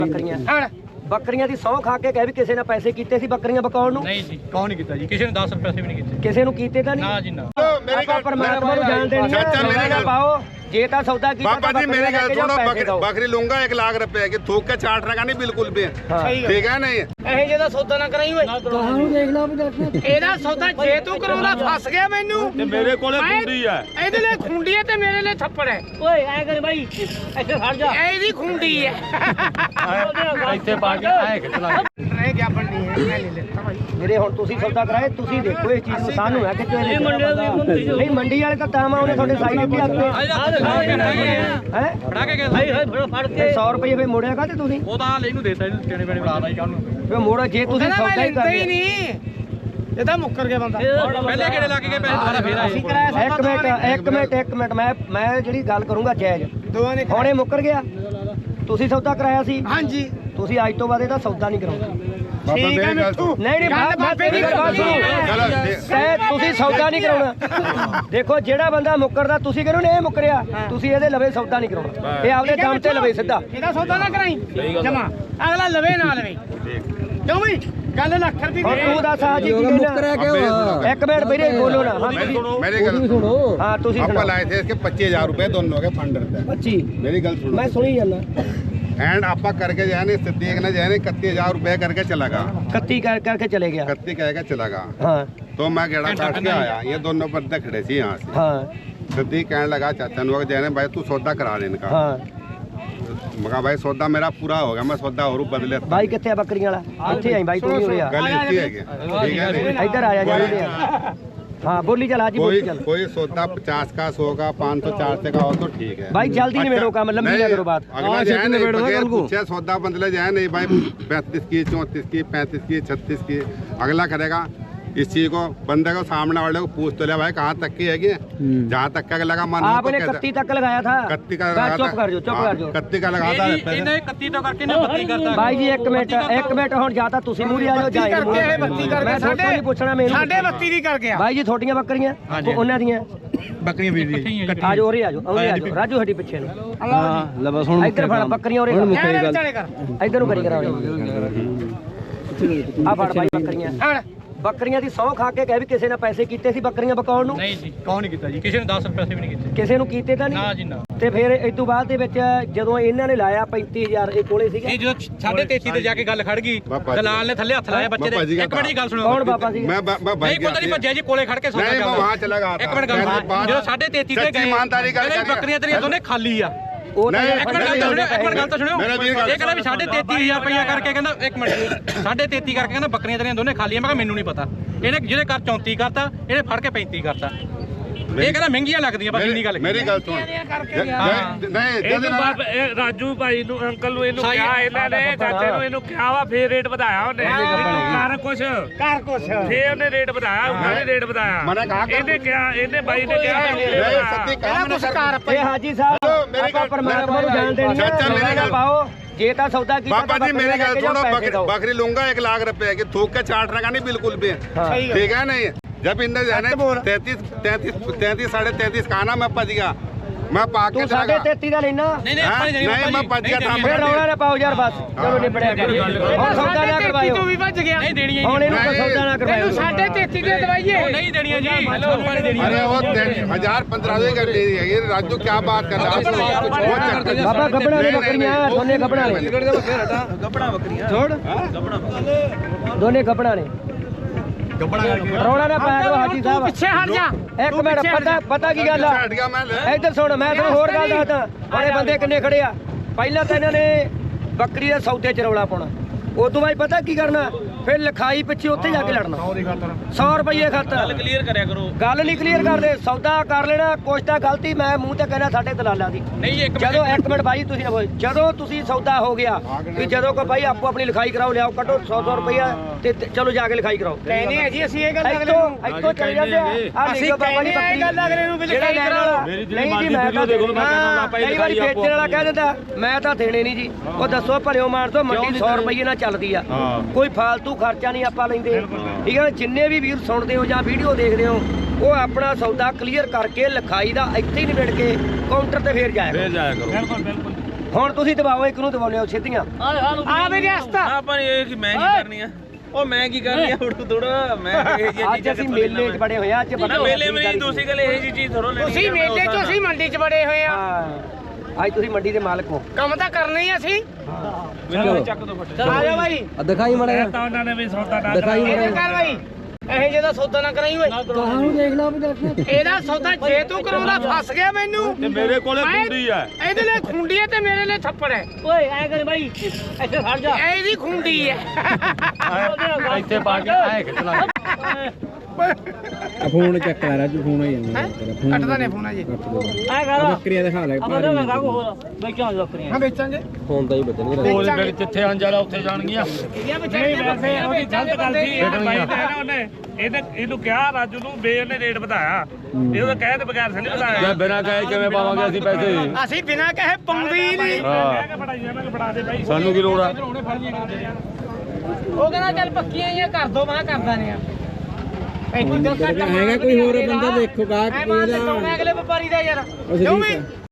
ਬੱਕਰੀਆਂ ਬੱਕਰੀਆਂ ਦੀ ਸੌਂ ਖਾ ਕੇ ਕਹਿ ਵੀ ਕਿਸੇ ਨੇ ਪੈਸੇ ਕੀਤੇ ਸੀ ਬੱਕਰੀਆਂ ਬਕਾਉਣ ਨੂੰ? ਨਹੀਂ ਜੀ, ਕੌਣ ਨਹੀਂ ਕੀਤਾ ਜੀ, ਕਿਸੇ ਨੇ 10 ਪੈਸੇ ਵੀ ਨਹੀਂ ਕੀਤੇ। ਕਿਸੇ ਨੂੰ ਕੀਤੇ ਤਾਂ ਨਹੀਂ? ਨਾ ਜੀ ਨਾ। ਆਪਾਂ ਪਰਮਾਤਮਾ ਨੂੰ ਜਾਣਦੇ ਨਹੀਂ। ਚਾਚਾ ਮੇਰੀ ਗੱਲ ਪਾਓ, ਜੇ ਤਾਂ ਸੌਦਾ ਕੀਤਾ बाबा जी मेरी गल सुनो, बकरी लूंगा 1 लाख रुपए की, थूक के चाटने का नहीं बिल्कुल भी, ठीक है नहीं? ਇਹ ਜਿਹਦਾ ਸੌਦਾ ਨਾ ਕਰਾਈ ਓਏ। ਤੁਹਾਨੂੰ ਦੇਖ ਲਾ ਵੀ ਇਹਦਾ ਸੌਦਾ ਜੇ ਤੂੰ ਕਰਾਉਂਦਾ ਫਸ ਗਿਆ ਮੈਨੂੰ। ਤੇ ਮੇਰੇ ਕੋਲੇ ਖੁੰਡੀ ਹੈ, ਇਹਦੇ ਲਈ ਖੁੰਡੀ ਹੈ ਤੇ ਮੇਰੇ ਲਈ ਥੱਪੜ ਹੈ। ਓਏ ਐ ਕਰ ਬਾਈ, ਇੱਥੇ ਖੜ ਜਾ। ਇਹਦੀ ਖੁੰਡੀ ਹੈ ਇੱਥੇ ਪਾ ਕੇ ਆਏ ਕਿ ਚਲਾ ਰਹਿ ਗਿਆ ਬੰਨੀ ਹੈ। ਮੈਂ ਨਹੀਂ ਲੈਤਾ ਭਾਈ ਮੇਰੇ। ਹੁਣ ਤੁਸੀਂ ਸੌਦਾ ਕਰਾਏ, ਤੁਸੀਂ ਦੇਖੋ ਇਹ ਚੀਜ਼ ਨੂੰ। ਸਾਨੂੰ ਹੈ ਕਿ ਇਹ ਮੰਡੀ ਨਹੀਂ, ਮੰਡੀ ਵਾਲੇ ਤਾਂ ਤਾਮਾ ਉਹਨੇ ਤੁਹਾਡੇ ਸਾਈ ਦਿੱਤੀ ਆਪੇ ਹੈ ਫੜਾ ਕੇ ਗਏ ਫੜ ਕੇ 100 ਰੁਪਏ ਫੇ ਮੋੜਿਆ ਕਾਤੇ ਤੁਸੀਂ? ਉਹ ਤਾਂ ਹਾਲ ਇਹਨੂੰ ਦੇਤਾ, ਇਹਨੂੰ ਚਣੇ ਬਣੇ ਬਣਾ ਦਾਈ ਕਾਹਨੂੰ ਫੇ ਮੋੜਾ। ਜੇ ਤੁਸੀਂ ਸੌਦਾ ਹੀ ਕਰਦੇ ਨਹੀਂ, ਇਹ ਤਾਂ ਮੁੱਕਰ ਗਿਆ ਬੰਦਾ। ਪਹਿਲੇ ਕਿਹੜੇ ਲਾ ਕੇ ਗਏ ਪੈਸੇ ਦੁਬਾਰਾ ਫੇਰ ਆਏ। ਇੱਕ ਮਿੰਟ ਮੈਂ ਜਿਹੜੀ ਗੱਲ ਕਰੂੰਗਾ ਜਾਇਜ਼। ਹੁਣ ਇਹ ਮੁੱਕਰ ਗਿਆ, ਤੁਸੀਂ ਸੌਦਾ ਕਰਾਇਆ ਸੀ। ਹਾਂਜੀ, ਤੁਸੀਂ ਅੱਜ ਤੋਂ ਬਾਅਦ ਇਹਦਾ ਸੌਦਾ ਨਹੀਂ ਕਰਾਉਂਦੇ। ਠੀਕ ਹੈ ਮਿੱਠੂ। ਨਹੀਂ ਬਾਬੇ ਦੀ ਗੱਲ ਸੁਣੋ, ਤੁਸੀਂ ਸੌਦਾ ਨਹੀਂ ਕਰਾਉਣਾ। ਦੇਖੋ ਜਿਹੜਾ ਬੰਦਾ ਮੁੱਕਰਦਾ, ਤੁਸੀਂ ਕਹਿੰਦੇ ਨੇ ਇਹ ਮੁੱਕਰਿਆ, ਤੁਸੀਂ ਇਹਦੇ ਲਵੇ ਸੌਦਾ ਨਹੀਂ ਕਰਾਉਣਾ। ਇਹ ਆਪਦੇ ਦਮ ਤੇ ਲਵੇ ਸਿੱਧਾ। ਇਹਦਾ ਸੌਦਾ ਨਾ ਕਰਾਈ ਜਮਾ, ਅਗਲਾ ਲਵੇ ਨਾ ਲਵੇ। ਕਿਉਂ ਵੀ ਗੱਲ ਲੱਖ ਰੁਪਏ ਹੁਣ ਤੂੰ ਦੱਸ ਆ ਜੀ ਮੁੱਕਰਿਆ ਕਿਉਂ? ਇੱਕ ਮਿੰਟ ਵੀਰੇ ਬੋਲੋ ਨਾ। मेरी गल सुनो, हाँ ਤੁਸੀਂ आपको लाए थे इसके 25,000 रुपए दोनों के फंड रहते हैं। 25 मेरी गल सुनो, मैं सुनी जाना। एंड आपा करके जाने सिद्दीक ने जाने 31,000 रुपए करके चला गया। 31 करके चले गया। 31 कह चला गया। हाँ तो मैं गेड़ा काट के आया, ये दोनों बंदे खड़े थे यहाँ से। हाँ सिद्दीक कहने लगा चाचा नुआ जाने भाई तू सौदा करा दे इनका। हाँ मगा भाई सौदा मेरा पूरा हो गया, मैं सौदा और बदले। भाई कितने बकरियां वाला? ਇੱਥੇ ਆਈ ਬਾਈ ਤੂੰ ਵੀ ਉਰੇ ਆ। गल इतनी है कि, ठीक है नहीं? ਇੱਧਰ ਆ ਜਾ ਜਾਣੇ ਆ। हाँ बोली चल आज बोली चल। कोई सौदा 50 का 100 का 500 400 का हो तो ठीक है भाई जल्दी निबेड़ो काम, लंबी ना करो बात। अगला जाए नहीं बगैर पूछे सौदा बदले जाए नहीं भाई 35 की 34 की 35 की 36 की अगला करेगा। इस चीज को बंदे को सामने वाले को पूछ तो ले भाई कहाँ तक की है जहाँ तक का लगा मान। आपने 31 तक लगाया था। 31 का लगा था। चुप कर जो 31 का लगा था। ਇਹਨੇ 31 ਤੋਂ ਕਰਕੇ ਨਾ 32 ਕਰਤਾ। भाई जी एक मिनट ਹੁਣ ਜਾਂ ਤਾਂ ਤੁਸੀਂ ਮੂਹਰੇ ਆ ਜਾਓ ਜਾਂ ਇਹ ਮੂਹਰੇ। 32 ਕਰਕੇ ਸਾਡੇ ਨਹੀਂ ਪੁੱਛਣਾ ਮੈਨੂੰ। 32.5 ਦੀ ਕਰ ਗਿਆ भाई जी ਤੁਹਾਡੀਆਂ ਬੱਕਰੀਆਂ ਉਹਨਾਂ ਦੀਆਂ ਬੱਕਰੀਆਂ ਵੀਰ ਦੀ ਆ ਜਾਓ ਉਰੇ ਆ ਜਾਓ ਰਾਜੂ ਹੱਡੀ ਪਿੱਛੇ ਨੂੰ। ਹਾਂ ਲੈ ਬਸ ਹੁਣ ਇੱਧਰ ਫੜ ਬੱਕਰੀਆਂ ਉਰੇ ਇੱਧਰ ਨੂੰ ਕਰੀ ਕਰਾਓ। ਆ ਫੜ ਭਾਈ ਬੱਕਰੀਆਂ। ਬੱਕਰੀਆਂ ਦੀ ਸੌਂ ਖਾ ਕੇ ਕਹਿ ਵੀ ਕਿਸੇ ਨੇ ਪੈਸੇ ਕੀਤੇ ਸੀ ਬੱਕਰੀਆਂ ਬਕਾਉਣ ਨੂੰ? ਨਹੀਂ ਜੀ, ਕੌਣ ਨਹੀਂ ਕੀਤਾ ਜੀ, ਕਿਸੇ ਨੇ 10 ਪੈਸੇ ਵੀ ਨਹੀਂ ਕੀਤੇ। ਕਿਸੇ ਨੂੰ ਕੀਤੇ ਤਾਂ ਨਹੀਂ? ਨਾ ਜੀ ਨਾ। ਤੇ ਫਿਰ ਇਸ ਤੋਂ ਬਾਅਦ ਦੇ ਵਿੱਚ ਜਦੋਂ ਇਹਨਾਂ ਨੇ ਲਾਇਆ 35,000 ਇਹ ਕੋਲੇ ਸੀਗਾ। ਇਹ ਜਦੋਂ 33.5 ਤੇ ਜਾ ਕੇ ਗੱਲ ਖੜ ਗਈ, ਦਲਾਲ ਨੇ ਥੱਲੇ ਹੱਥ ਲਾਇਆ ਬੱਚੇ ਦੇ। ਇੱਕ ਮਿੰਟ ਦੀ ਗੱਲ ਸੁਣੋ। ਕੌਣ ਬਾਬਾ ਸੀ? मैं भाई ਨਹੀਂ ਕੋਈ ਨਹੀਂ ਭੱਜਿਆ ਜੀ, ਕੋਲੇ ਖੜ ਕੇ ਸੌਦਾ नहीं मैं वहाँ चला गया ਇੱਕ ਮਿੰਟ ਗੱਲ ਸੁਣੋ। ਜਦੋਂ 33.5 ਤੇ ਗਏ, ईमानदारी ਕਹਿੰਦੇ ਬੱਕਰੀਆਂ ਤੇਰੀਆਂ ਦੋਨੇ ਖਾਲੀ ਆ। ਉਹ ਤਾਂ ਇੱਕ ਮਿੰਟ ਗੱਲ ਤਾਂ ਸੁਣਿਓ। ਇਹ ਕਹਿੰਦਾ ਵੀ 33.500 ਰੁਪਇਆ ਕਰਕੇ ਕਹਿੰਦਾ ਇੱਕ ਮਿੰਟ 33.5 ਕਰਕੇ ਕਹਿੰਦਾ ਬੱਕਰੀਆਂ ਤੇਰੀਆਂ ਦੋਨੇ ਖਾਲੀ ਆ। ਮੈਂ ਕਿਹਾ ਮੈਨੂੰ ਨਹੀਂ ਪਤਾ। ਇਹਨੇ ਜਿਹਦੇ ਘਰ 34 ਕਰਤਾ, ਇਹਨੇ ਫੜ ਕੇ 35 ਕਰਤਾ। ਇਹ ਕਹਿੰਦਾ ਮਹਿੰਗੀਆਂ ਲੱਗਦੀਆਂ ਬਸ ਇੰਨੀ ਗੱਲ। मेरी गल सुन नहीं ਰਾਜੂ ਭਾਈ ਨੂੰ ਅੰਕਲ ਨੂੰ ਇਹਨੂੰ ਕਿਹਾ, ਇਹਨਾਂ ਨੇ ਚਾਚੇ ਨੂੰ ਇਹਨੂੰ ਕਿਹਾ ਵਾ, ਫੇਰ ਰੇਟ ਵਧਾਇਆ ਉਹਨੇ। ਕਰ ਕੁਛ ਫੇਰ ਉਹਨੇ ਰੇਟ ਵਧਾਇਆ, ਉਹਨਾਂ ਨੇ ਰੇਟ ਵਧਾਇਆ। ਇਹਨੇ ਕਿਹਾ, ਇਹਨੇ ਬਾਈ ਨੇ ਕਿਹਾ ਇਹ ਹਾਜੀ ਸਾਹਿਬ ਆਪਾਂ ਪਰਮਾਤਮਾ ਨੂੰ ਜਾਣਦੇ ਨਹੀਂ। ਚਾਚਾ ਮੇਰੀ ਗੱਲ ਪਾਓ, ਜੇ ਤਾਂ ਸੌਦਾ ਕੀਤਾ बाबा जी मेरी गल सुनो, बकरी लूंगा 1 लाख रुपए की, थूक के चाटने का नहीं बिल्कुल भी, ठीक है नहीं? जब इनने जाने 33 साढ़े 33 का ना मैं पज गया, मैं पाके ਤੂੰ 33.5 ਦਾ ਲੈਣਾ। नहीं मैं पज गया ਫਿਰ ਰੌਲਾ ਨਾ ਪਾਓ ਯਾਰ ਬਸ। ਚਲੋ ਨਿਬੜਿਆ ਹੁਣ ਸੌਦਾ ਨਾ ਕਰਵਾਇਓ। ਤੂੰ ਵੀ ਭੱਜ ਗਿਆ। ਨਹੀਂ ਦੇਣੀਆਂ ਹੁਣ ਇਹਨੂੰ ਕੋਈ ਸੌਦਾ ਨਾ ਕਰਵਾਇਓ। 33.5 ਦੇ ਦਵਾਈਏ ਨਹੀਂ ਦੇਣੀਆਂ ਜੀ। ਆਪਾਂ ਨਹੀਂ ਦੇਣੀਆਂ। अरे वो 1000-15 का दे दिया। ये राजू क्या बात कर रहा है? ਬਾਬਾ ਗੱਬੜਾਂ ਨੇ ਬੱਕਰੀਆਂ ਦੋਨੇ ਗੱਬੜਾਂ ਨੇ। ਦੋਨੇ ਗੱਬੜਾਂ ਨੇ। ਰੌਲਾ ਨਾ ਪਾਇਆ ਕਰੋ ਹਾਜੀ ਸਾਹਿਬ। ਪਿੱਛੇ ਹਟ ਜਾ। ਇੱਕ ਮਿੰਟ ਪਤਾ ਕੀ ਗੱਲ ਆ? ਇੱਧਰ ਸੁਣ, ਮੈਂ ਤੁਹਾਨੂੰ ਹੋਰ ਗੱਲ ਦੱਸਦਾ। ਬੜੇ ਬੰਦੇ ਕਿੰਨੇ ਖੜੇ ਆ। ਪਹਿਲਾਂ ਤਾਂ ਇਹਨਾਂ ਨੇ ਬੱਕਰੀ ਦੇ ਸੌਦੇ 'ਚ ਰੌਲਾ ਪਾਉਣਾ, ਉਦੋਂ ਬਾਅਦ ਪਤਾ ਕੀ ਕਰਨਾ, ਫਿਰ ਲਿਖਾਈ ਪਿੱਛੇ ਉੱਥੇ ਜਾ ਕੇ ਲੜਨਾ 100 ਰੁਪਏ ਖਾਤਰ। ਗੱਲ ਕਲੀਅਰ ਕਰਿਆ ਕਰੋ। ਗੱਲ ਨਹੀਂ ਕਲੀਅਰ ਕਰਦੇ, ਸੌਦਾ ਕਰ ਲੈਣਾ। ਕੁਛ ਤਾਂ ਗਲਤੀ ਮੈਂ ਮੂੰਹ ਤੇ ਕਹਿਣਾ ਸਾਡੇ ਦਲਾਲਾਂ ਦੀ। ਨਹੀਂ ਇੱਕ ਜਦੋਂ ਇੱਕ ਮਿੰਟ ਬਾਈ ਤੁਸੀਂ ਨਾ ਬੋਲ। ਜਦੋਂ ਤੁਸੀਂ ਸੌਦਾ ਹੋ ਗਿਆ ਵੀ ਜਦੋਂ ਕੋ ਬਾਈ ਆਪੋ ਆਪਣੀ ਲਿਖਾਈ ਕਰਾਓ, ਲਿਆਓ ਕੱਢੋ 100 ਰੁਪਇਆ ਤੇ ਚਲੋ ਜਾ ਕੇ ਲਿਖਾਈ ਕਰਾਓ। ਕਹਿੰਦੇ ਆ ਜੀ ਅਸੀਂ ਇਹ ਗੱਲ ਇੱਥੋਂ ਚਲੇ ਜਾਂਦੇ ਆ। ਅਸੀਂ ਬਾਬਾ ਦੀ ਬੱਕਰੀ ਗੱਲ ਅਗਲੇ ਨੂੰ ਵੀ ਲਿਖਾਈ ਕਰਾਓ। ਨਹੀਂ ਜੀ ਮੈਂ ਤਾਂ ਕਈ ਵਾਰੀ ਵੇਚਣ ਵਾਲਾ ਕਹਿ ਦਿੰਦਾ ਮੈਂ ਤਾਂ ਦੇਣੇ ਨਹੀਂ ਜੀ। ਉਹ ਦੱਸੋ ਭਲਿਓ ਮਾਰ ਦੋ, ਮੰਡੀ 100 ਰੁਪਏ ਨਾਲ ਚੱਲਦੀ ਆ, ਕੋਈ ਫਾਲਤੂ ਖਰਚਾ ਨਹੀਂ ਆਪਾਂ ਲੈਂਦੇ, ਠੀਕ ਹੈ। ਜਿੰਨੇ ਵੀ ਵੀਰ ਸੁਣਦੇ ਹੋ ਜਾਂ ਵੀਡੀਓ ਦੇਖਦੇ ਹੋ, ਉਹ ਆਪਣਾ ਸੌਦਾ ਕਲੀਅਰ ਕਰਕੇ ਲਿਖਾਈ ਦਾ ਇੱਥੇ ਹੀ ਨਿਬੜ ਕੇ ਕਾਊਂਟਰ ਤੇ ਫੇਰ ਜਾਇਆ ਕਰੋ। ਹੁਣ ਤੁਸੀਂ ਦਬਾਓ ਇੱਕ ਨੂੰ ਦਬਾਉਨੇ ਹੋ ਛੇਤੀਆਂ ਆ ਮੇਰੀ ਹਸਤਾ ਆਪਾਂ ਨੇ ਇਹ ਕਿ ਮੈਂ ਕੀ ਕਰਨੀ ਆ ਉਹ ਮੈਂ ਕੀ ਕਰਨੀ ਆ ਹੁਣ ਥੋੜਾ ਮੈਂ ਇਹ ਜੀ ਅੱਜ ਅਸੀਂ ਮੇਲੇ 'ਚ ਬੜੇ ਹੋਏ ਆ ਅੱਜ ਬੜਾ ਮੇਲੇ ਮੇਂ ਦੂਸਰੀ ਗੱਲ ਇਹ ਜੀ ਚੀਜ਼ ਥੋੜਾ ਲੈਣੀ ਤੁਸੀਂ ਮੇਲੇ 'ਚ ਅਸੀਂ ਮੰਡੀ 'ਚ ਬੜੇ ਹੋਏ ਆ ਹਾਂ ਅੱਜ ਤੁਸੀਂ ਮੰਡੀ ਦੇ ਮਾਲਕ ਹੋ ਕੰਮ ਤਾਂ ਕਰਨਾ ਹੀ ਅਸੀਂ ਚੱਕ ਦੋ ਫਟ ਆ ਜਾ ਬਾਈ ਦਿਖਾਈ ਮੜਾ ਤਾਂ ਉਹਨਾਂ ਨੇ ਵੀ ਸੌਦਾ ਨਾ ਦਿਖਾਈ ਇਹ ਕਰ ਬਾਈ ਇਹ ਜਿਹਦਾ ਸੌਦਾ ਨਾ ਕਰਾਈ ਓਏ ਤੁਹਾਨੂੰ ਦੇਖ ਲਾ ਵੀ ਇਹਦਾ ਸੌਦਾ ਜੇ ਤੂੰ ਕਰਾਉਂਦਾ ਫਸ ਗਿਆ ਮੈਨੂੰ ਤੇ ਮੇਰੇ ਕੋਲੇ ਖੁੰਡੀ ਆ ਇਹਦੇ ਲਈ ਖੁੰਡੀ ਹੈ ਤੇ ਮੇਰੇ ਲਈ ਥੱਪੜ ਹੈ ਓਏ ਐ ਕਰ ਬਾਈ ਇੱਥੇ ਖੜ ਜਾ ਇਹਦੀ ਖੁੰਡੀ ਹੈ ਇੱਥੇ ਪਾ ਕੇ ਆਏ ਖਿੱਚ ਲਾ ਫੋਨ ਚੱਕ ਲੈ ਰਾਜੂ ਫੋਨ ਹੀ ਜਾਂਦਾ ਕੱਟਦਾ ਨੇ ਫੋਨ ਜੀ ਐ ਕਰ ਬੱਕਰੀਆਂ ਦਿਖਾ ਲੈ ਆਪਾਂ ਤਾਂ ਮੰਗਾ ਕੋ ਹੋਰ ਵੇਚਾਂ ਬੱਕਰੀਆਂ ਹਾਂ ਵੇਚਾਂਗੇ ਫੋਨ ਤਾਂ ਹੀ ਬਚਣਗੇ ਕੋਲ ਫਿਰ ਜਿੱਥੇ ਅੰਜਾਲਾ ਉੱਥੇ ਜਾਣਗੀਆਂ ਇਹਦੀਆਂ ਨਹੀਂ ਵੈਸੇ ਉਹਦੀ ਗਲਤ ਗੱਲ ਸੀ ਇਹ ਬਾਈ ਨੇ ਨਾ ਉਹਨੇ ਇਹਨੂੰ ਕਿਹਾ ਰਾਜੂ ਨੂੰ ਬੇ ਉਹਨੇ ਰੇਟ ਵਧਾਇਆ ਇਹ ਉਹਦਾ ਕਹਿ ਤੇ ਬਗੈਰ ਨਹੀਂ ਵਧਾਇਆ ਬਿਨਾਂ ਕਹੇ ਕਿਵੇਂ ਪਾਵਾਂਗੇ ਅਸੀਂ ਪੈਸੇ ਅਸੀਂ ਬਿਨਾਂ ਕਹੇ ਪਾਉਂਦੇ ਹੀ ਨਹੀਂ ਕਹਿ ਕੇ ਬੜਾਈ ਇਹਨਾਂ ਨੂੰ ਬੜਾ ਦੇ ਬਾਈ ਸਾਨੂੰ ਕੀ ਲੋੜ ਆ ਉਹ ਕਹਿੰਦਾ ਚੱਲ ਪੱਕੀਆਂ ਹੀ ਆ ਕਰ ਦੋ ਮੈਂ ਕਰਦਾ ਨਹੀਂ ਆ ਹੈਗਾ ਕੋਈ ਹੋਰ ਬੰਦਾ ਦੇਖੋ ਗਾਹਕ ਮੈਂ ਅਗਲੇ ਵਪਾਰੀ ਦਾ ਯਾਰ ਕਿਉਂ ਵੀ